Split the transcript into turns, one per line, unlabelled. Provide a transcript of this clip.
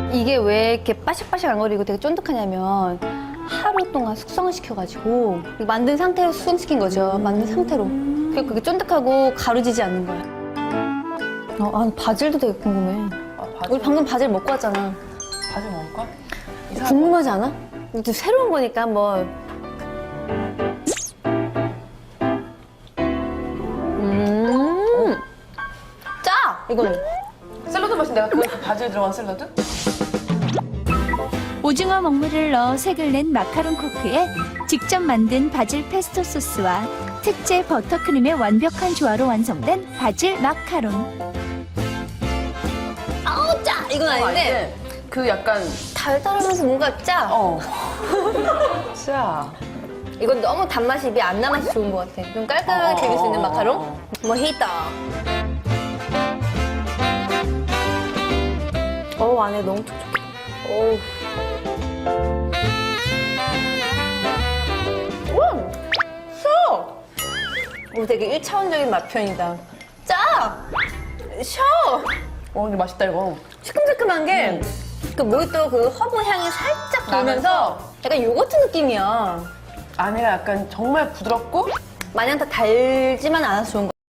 이게 왜 이렇게 바삭바삭 안 거리고 되게 쫀득하냐면 하루 동안 숙성을 시켜가지고 만든 상태로 숙성시킨 거죠. 만든 상태로. 그래서 그게 쫀득하고 가루지지 않는 거야. 바질도 되게 궁금해.
바질?
우리 방금 바질 먹고 왔잖아.
바질 먹을까?
궁금하지 않아? 또 새로운 거니까 한번. 짜! 이거는.
샐러드 맛인데 내가 그 바질 들어간 샐러드?
오징어 먹물을 넣어 색을 낸 마카롱 코크에 직접 만든 바질 페스토 소스와 특제 버터크림의 완벽한 조화로 완성된 바질 마카롱.
아우, 짜! 이건 아닌데.
그 약간
달달하면서 뭔가 짜.
짜.
이건 너무 단맛이 입에 안 남아서 좋은 것 같아. 좀 깔끔하게 즐길 수 있는 마카롱? 모히또. 안에 너무 촉촉해. 어우. 되게 1차원적인 맛 표현이다. 짜! 셔!
근데 맛있다 이거.
시큼시큼한 게 그 모히또 그 허브 향이 살짝 돌면서 약간 요거트 느낌이야.
안에가 약간 정말 부드럽고
마냥 다 달지만 않아서 좋은 거.